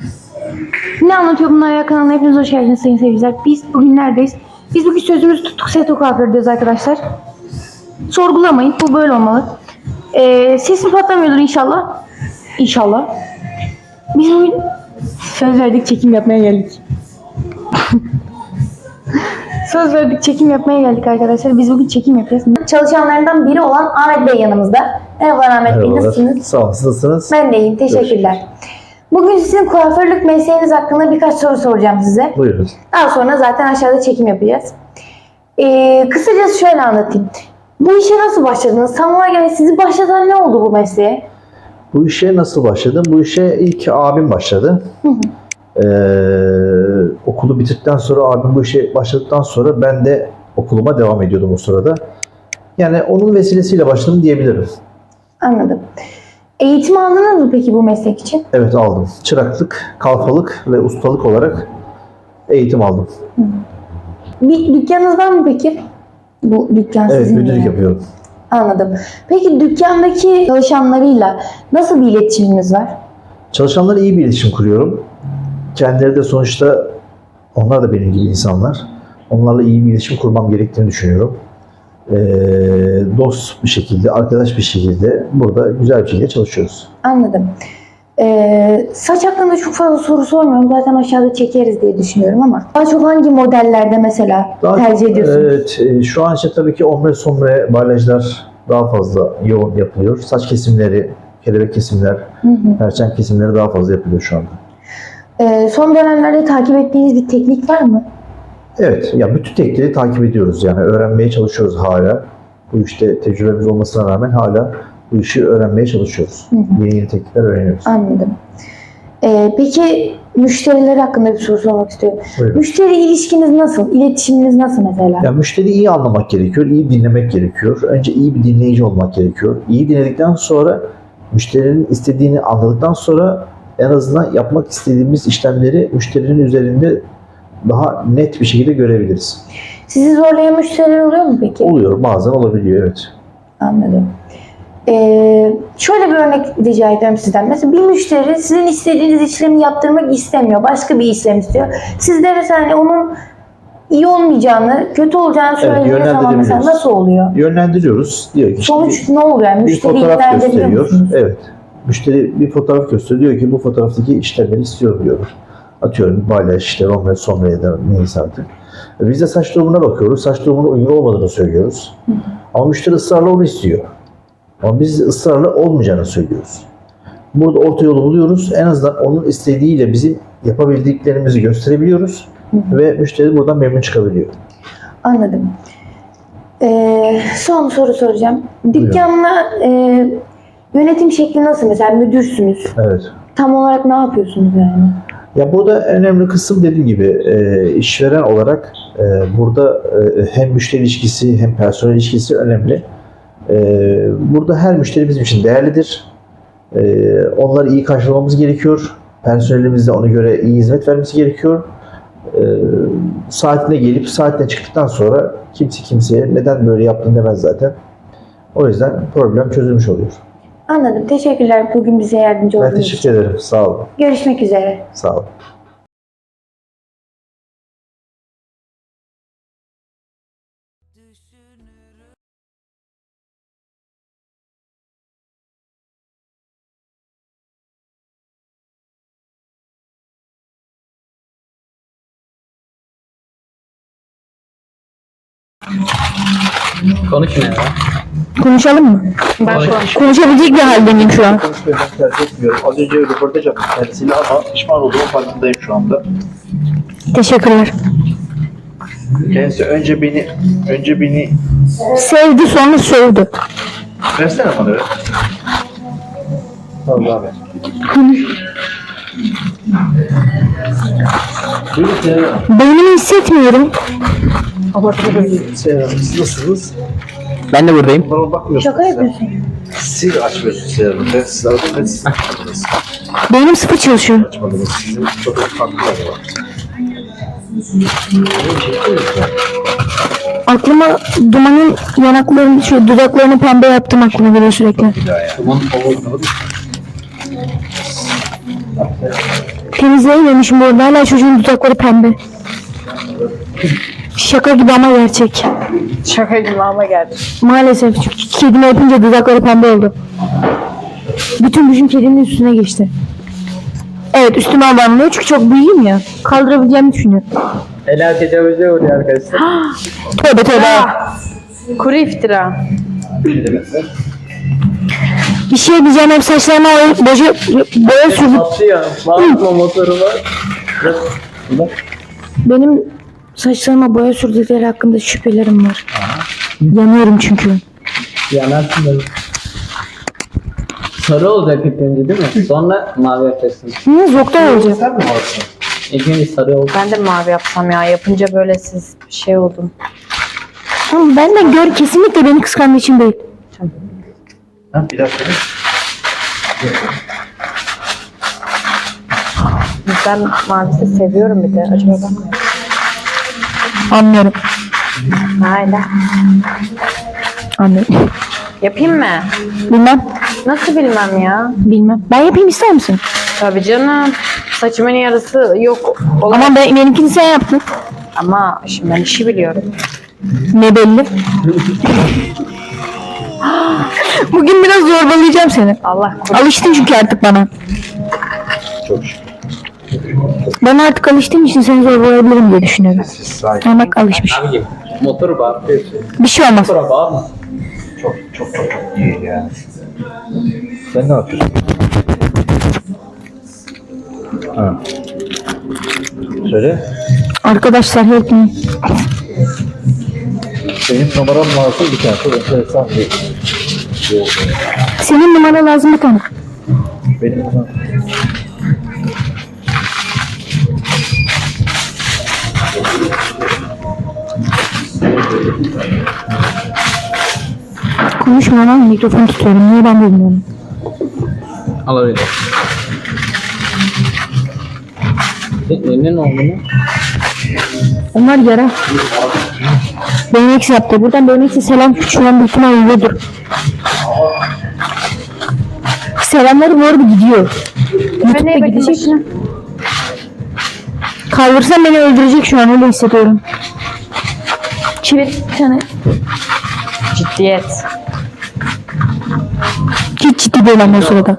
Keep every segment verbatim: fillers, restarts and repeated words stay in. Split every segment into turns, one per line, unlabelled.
Ne anlatıyor bunlar ya kanalına hepiniz hoş geldiniz sayın seyirciler. Biz bugün neredeyiz? Biz bugün sözümüzü tuttuk, Seto kuafördeyiz arkadaşlar. Sorgulamayın, bu böyle olmalı. Ee, sesim patlamıyordur inşallah. İnşallah. Biz bugün söz verdik, çekim yapmaya geldik. Söz verdik, çekim yapmaya geldik arkadaşlar. Biz bugün çekim yapacağız. Çalışanlarından biri olan Ahmet Bey yanımızda. Merhaba Ahmet Bey, nasılsınız?
Sağ olun, nasılsınız?
Ben de iyiyim, teşekkürler. Bugün sizin kuaförlük mesleğiniz hakkında birkaç soru soracağım size.
Buyurun.
Daha sonra zaten aşağıda çekim yapacağız. Ee, kısacası şöyle anlatayım. Bu işe nasıl başladınız? Tam olarak yani sizi başlatan ne oldu bu mesleğe?
Bu işe nasıl başladım? Bu işe ilk abim başladı.
Hı hı.
Ee, okulu bitirdikten sonra, abim bu işe başladıktan sonra ben de okuluma devam ediyordum o sırada. Yani onun vesilesiyle başladım diyebilirim.
Anladım. Eğitim aldınız mı peki bu meslek için?
Evet, aldım. Çıraklık, kalfalık ve ustalık olarak eğitim aldım.
Hı. Bir dükkanınız var mı peki? Bu dükkan
Evet,
sizin mi
müdürlük
yani?
yapıyorum.
Anladım. Peki dükkandaki çalışanlarıyla nasıl bir iletişiminiz var?
Çalışanlarla iyi bir iletişim kuruyorum. Kendileri de sonuçta onlar da benim gibi insanlar. Onlarla iyi bir iletişim kurmam gerektiğini düşünüyorum. Ee, dost bir şekilde, arkadaş bir şekilde burada güzel bir şekilde çalışıyoruz.
Anladım. Ee, saç hakkında çok fazla soru sormuyorum. Zaten aşağıda çekeriz diye düşünüyorum ama daha çok hangi modellerde mesela
Daha
tercih
çok,
ediyorsunuz?
Evet, e, şu an için tabii ki ombre sombre balyajlar daha fazla yoğun yapılıyor. Saç kesimleri, kelebek kesimler,
Hı hı.
perçem kesimleri daha fazla yapılıyor şu anda.
Ee, son dönemlerde takip ettiğiniz bir teknik var mı?
Evet, ya bütün teknikleri takip ediyoruz, yani öğrenmeye çalışıyoruz hala. Bu işte tecrübemiz olmasına rağmen hala bu işi öğrenmeye çalışıyoruz.
Hı hı.
Yeni yeni teknikler öğreniyoruz.
Anladım. Ee, peki müşteriler hakkında bir soru sormak istiyorum.
Buyurun.
Müşteri ilişkiniz nasıl? İletişiminiz nasıl mesela?
Ya müşteriyi iyi anlamak gerekiyor, iyi dinlemek gerekiyor. Önce iyi bir dinleyici olmak gerekiyor. İyi dinledikten sonra, müşterinin istediğini anladıktan sonra en azından yapmak istediğimiz işlemleri müşterinin üzerinde daha net bir şekilde görebiliriz.
Sizi zorlayan müşteriler oluyor mu peki?
Oluyor, bazen olabiliyor, evet.
Anladım. Ee, şöyle bir örnek rica ediyorum sizden. Mesela bir müşteri sizin istediğiniz işlemi yaptırmak istemiyor. Başka bir işlem istiyor. Siz de mesela hani onun iyi olmayacağını, kötü olacağını söylediğiniz zaman mesela
yönlendirebiliyoruz.
nasıl oluyor?
Yönlendiriyoruz. Diyor ki işte
Sonuç ne oluyor? Yani
bir
müşteri
fotoğraf
ikna edebiliyor
gösteriyor.
musunuz?
Evet. Müşteri bir fotoğraf gösteriyor. Diyor ki bu fotoğraftaki işlemleri istiyorum diyor. Atıyorum balyaj, işte romle, somle ya da neyse artık. Biz de saç durumuna bakıyoruz. Saç durumuna uygun olmadığını söylüyoruz.
Hı hı.
Ama müşteri ısrarla onu istiyor. Ama biz ısrarla olmayacağını söylüyoruz. Burada orta yolu buluyoruz. En azından onun istediğiyle bizim yapabildiklerimizi gösterebiliyoruz.
Hı hı.
Ve müşteri buradan memnun çıkabiliyor.
Anladım. Ee, son soru soracağım. Dükkanla e, yönetim şekli nasıl? Mesela müdürsünüz.
Evet.
Tam olarak ne yapıyorsunuz yani?
Ya burada önemli kısım, dediğim gibi e, işveren olarak e, burada e, hem müşteri ilişkisi hem personel ilişkisi önemli. E, burada her müşteri bizim için değerlidir. E, onları iyi karşılamamız gerekiyor. Personelimiz de ona göre iyi hizmet vermesi gerekiyor. E, saatine gelip saatine çıktıktan sonra kimse kimseye neden böyle yaptın demez zaten. O yüzden problem çözülmüş oluyor.
Anladım. Teşekkürler bugün bize yardımcı
Ben
olduğunuz için.
teşekkür ederim. Sağ olun.
Görüşmek üzere.
Sağ olun.
Konu kime ya?
Konuşalım mı?
Ben
Konuşabilecek bir haldeyim şu an.
Konuşmayı ben tercih etmiyorum. Az önce röportaj yaptım kendisiyle ama pişman olduğumun farkındayım şu anda.
Teşekkürler.
Kendisi önce beni, önce beni
Sevdi sonra sövdü.
versene bana ver. Tamam abi. Buyurun Seyhan Hanım.
Beynimi hissetmiyorum.
Seyhan Hanım, siz nasılsınız?
Ben de buradayım.
Bana bakmıyorsunuz.
Şaka
sen.
yapıyorsun.
Siz açmıyorsunuz Seyhan Hanım. Ben sizi aradım ve siz açmadınız.
Beynim sıfır çalışıyor.
Açmadınız. Sizin çok farklı var.
Aklıma dumanın yanaklarını, şu dudaklarını pembe yaptım aklıma geliyor sürekli.
Bir daha ya. Aman Allah'ım.
Temizleyememişim bu arada. Hala çocuğun dudakları pembe. Şaka gibi ama gerçek.
Şaka gibi ama geldi.
Maalesef çünkü kedime yapınca dudakları pembe oldu. Bütün gücüm kedinin üstüne geçti. Evet, üstüme abanmıyor çünkü çok büyüğüm ya. Kaldırabileceğimi düşünüyorum.
Ela tecavüze uğruyor arkadaşlar.
Tövbe tövbe.
Kuru iftira.
Bir şey diyeceğim, hep saçlarıma boya, boya, boya sürdüm.
Atlıyor. Bağırma motoru var.
Benim saçlarıma boya sürdükleri hakkında şüphelerim var. Yanıyorum çünkü.
Yanarsın da. Sarı olacak ilk önce değil mi? Sonra mavi yapacaksın.
Niye zoktan olacak?
Sen mi varsın?
İlk önce sarı olacak.
Ben de mavi yapsam ya. Yapınca böyle siz şey oldum.
Ama benden gör, kesinlikle beni kıskandığı için değil.
Ha, bir dakika.
Ben mavisi seviyorum bir de. Acaba ben mi?
Anlıyorum.
Hayla.
Anlıyorum.
Yapayım mı?
Bilmem.
Nasıl bilmem ya?
Bilmem. Ben yapayım, ister misin?
Tabii canım. Saçımın yarısı yok. Olan...
Ama ben, benimkini sen yaptın.
Ama şimdi ben işi biliyorum.
Ne belli. Bugün biraz zorbalayacağım seni.
Allah korusun.
Alıştın çünkü artık bana.
Çok şükür.
Ben artık alıştığım için seni zorbalayabilirim diye düşünüyorum.
Siz sakin.
Ama bak alışmış.
Abicim motoru bağırtıyorsun.
Bir şey olmaz.
Motora bağırma.
Çok çok çok çok iyi yani. Sen ne yapıyorsun? Ha. Söyle.
Arkadaşlar help me.
Benim numaram lazım bir tane. Çok enteresan bir şey oldu.
Senin numara lazım bir tane.
Benim numaram.
Konuşma lan, mikrofon tutuyorum. Niye ben bilmiyorum.
Alabilir. Senin ne oldu mu?
Onlar yara. B M X yaptı. Buradan B M X'e selam, şu an büyük ihtimalle uyuyordur. Selamları bu arada gidiyor. YouTube'da
neye
gidecek.
bakayım?
Kaldırsam beni öldürecek şu an, öyle hissediyorum. Çevir bir tane.
Ciddiyet.
Hiç ciddi değil ama o sırada.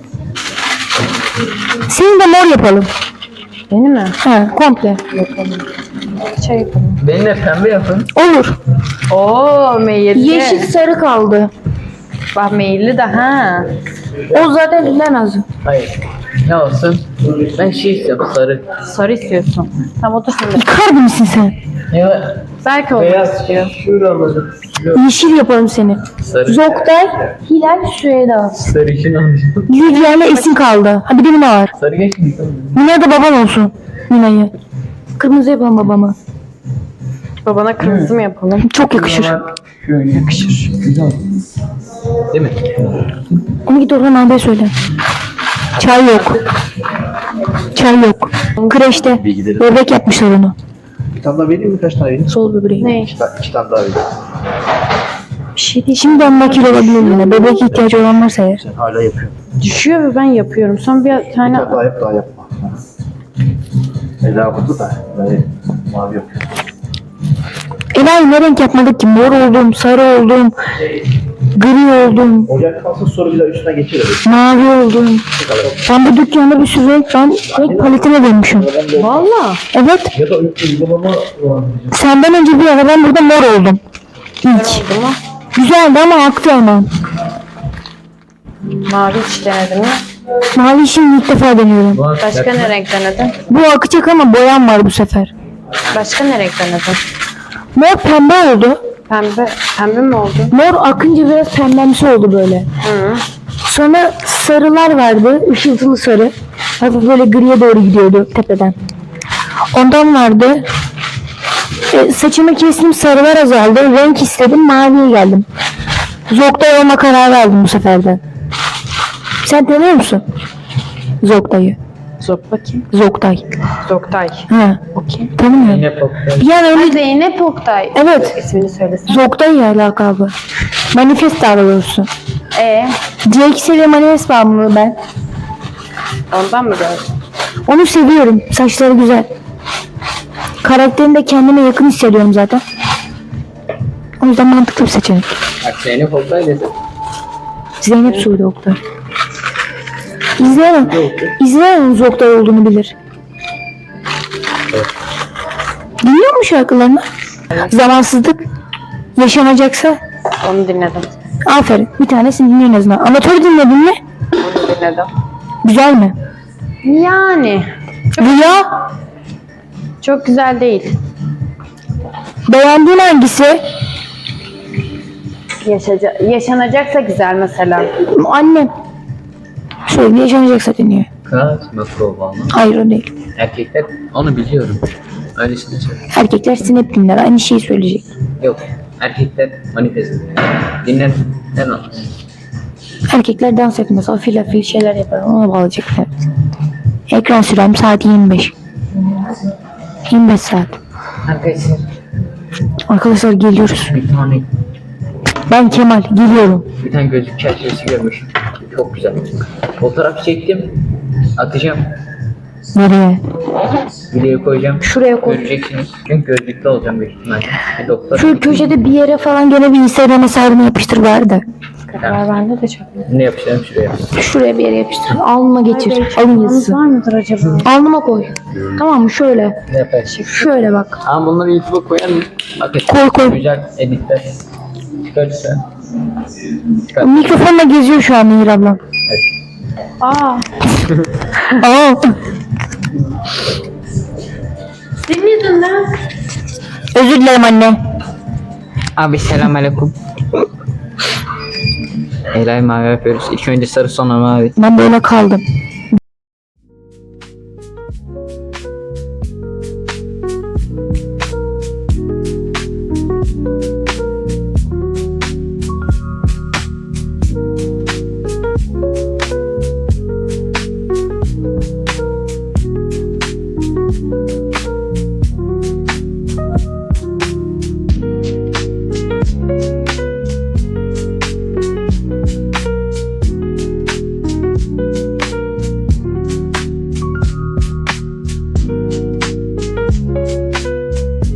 Seni de mor yapalım.
Beni mi?
Ha, komple.
Şey yapalım.
Beni de pembe yapın.
Olur.
Oo meyilli.
Yeşil sarı kaldı.
Bak meyilli de ha.
O zaten dinlemez.
Hayır. Ne olsun? Ben şey istiyorum sarı.
Sarı istiyorsun. Tam otur şurada.
Yıkar mısın sen?
Ya
Belki olur.
beyaz şey. Şurada.
Yeşil yapalım seni.
Sarı.
Zoktay, Hilal, Süheyda.
Sarı için alacağım.
Lidya ile Esin kaldı. Ha bir de Mina var.
Sarı geçmiş.
Mina da baban olsun. Mina'yı. Kırmızı yapalım babama.
Babana kırmızı mı yapalım?
Çok yakışır.
Şöyle yakışır. Güzel. Değil mi?
Onu git Orhan abiye söyle. Çay yok. Çay yok. Kreşte.
Bilgileri.
Bebek yapmışlar onu.
Bir tane daha vereyim mi? Kaç tane vereyim?
Sol böbreği.
Ne?
İki tane, iki tane daha vereyim.
Bir şey değil. Şimdiden nakil olabilir yine. Bebek ihtiyacı olan varsa eğer.
Sen hala yapıyorsun.
Düşüyor ve ben yapıyorum. Son bir
Bir
tane...
tane daha yap, daha yapma. Ela burada da. Ben mavi yapıyorum.
Ela'yı ne renk yapmadık ki? Mor oldum, sarı oldum, gri oldum,
Ocak kalsın sonra bir daha üstüne geçirelim.
mavi oldum. Ben bu dükkanda bir sürü renk, ben renk paletine dönmüşüm.
Valla.
Evet,
Ya da uygulamama var.
senden önce bir ara ben burada mor oldum. İlk.
Oldu mu?
Güzeldi ama aktı hemen.
Mavi hiç denedin mi?
Mavi şimdi ilk defa deniyorum.
Başka ne renk denedin?
Bu akacak ama boyam var bu sefer.
Başka ne renk denedin?
Mor pembe oldu.
Pembe. Pembe mi oldu?
Mor akınca biraz pembemsi oldu böyle.
Hı.
Sonra sarılar vardı. Işıltılı sarı. Hafif böyle griye doğru gidiyordu tepeden. Ondan vardı. E, saçımı kestim, sarılar azaldı. Renk istedim, maviye geldim. Zoktay olma karar verdim bu sefer de. Sen tanıyor musun? Zoktay'ı.
Zok bakayım.
Zoktay.
Zoktay.
Ha.
Okey.
Tanımıyorum.
Yine poplar.
Yani öyle
Zeynep Oktay.
Evet.
İsmini söylesin.
Zoktay lakabı. Manifest daha doğrusu.
E
C X'e ve manifest bağımlılığı ben.
ondan mı gördün?
Onu seviyorum. Saçları güzel. Karakterini de kendime yakın hissediyorum zaten. O yüzden mantıklı bir seçenek.
Bak Zeynep Oktay dedi.
Zeynep Suudi Oktay. İzleyen, izleyen onun Oktay olduğunu bilir. Dinliyor mu şarkılarını? Zamansızlık yaşanacaksa
Onu dinledim.
aferin. Bir tanesini dinleyin en azından. Amatör dinledin mi?
Onu dinledim.
Güzel mi?
Yani
Rüya
çok güzel değil.
beğendiğin hangisi?
Yaşaca yaşanacaksa güzel mesela.
Annem. Sürekli yaşanacaksa dinliyor.
Kaçma provanı.
Hayır o değil.
Erkekler onu biliyorum. Öylesine söyle.
Erkekler sinep dinler. Aynı şeyi söyleyecek.
Yok. Erkekler manifest dinler. Dinler. Ne lan?
Erkekler dans etmez. Afil afil şeyler yapar. Ona bağlayacaklar. Ekran sürem saat yirmi beş. yirmi beş saat.
Arkadaşlar
Arkadaşlar geliyoruz.
bir tane
Ben Kemal. Geliyorum.
bir tane gözlük çerçevesi görmüşüm. Çok güzel. Fotoğraf çektim. Atacağım.
Nereye?
Videoya koyacağım.
Şuraya koy.
Göreceksiniz. Çünkü gözlüklü olacağım büyük ihtimalle. Bir doktor.
Şu köşede bir yere falan gene bir Instagram hesabını yapıştır bari de.
Var bende de çok.
Ne yapacağım şuraya?
Şuraya bir yere yapıştır. Alnıma geçir. Alın yazısı.
Var mıdır acaba?
Alnıma koy. Tamam mı? Şöyle.
Ne yaparsın?
Şöyle bak.
Ama bunları YouTube'a koyar mı? Bakın.
Koy, koy.
Güzel editler. Çıkarırsa. Çıkar.
Mikrofonla geziyor şu an Nehir ablam.
Evet.
Aa,
Aa.
senin yüzünden.
Özür dilerim anne.
Abi selamünaleyküm. Elay mavi yapıyoruz. İlk önce sarı sonra mavi.
Ben böyle kaldım.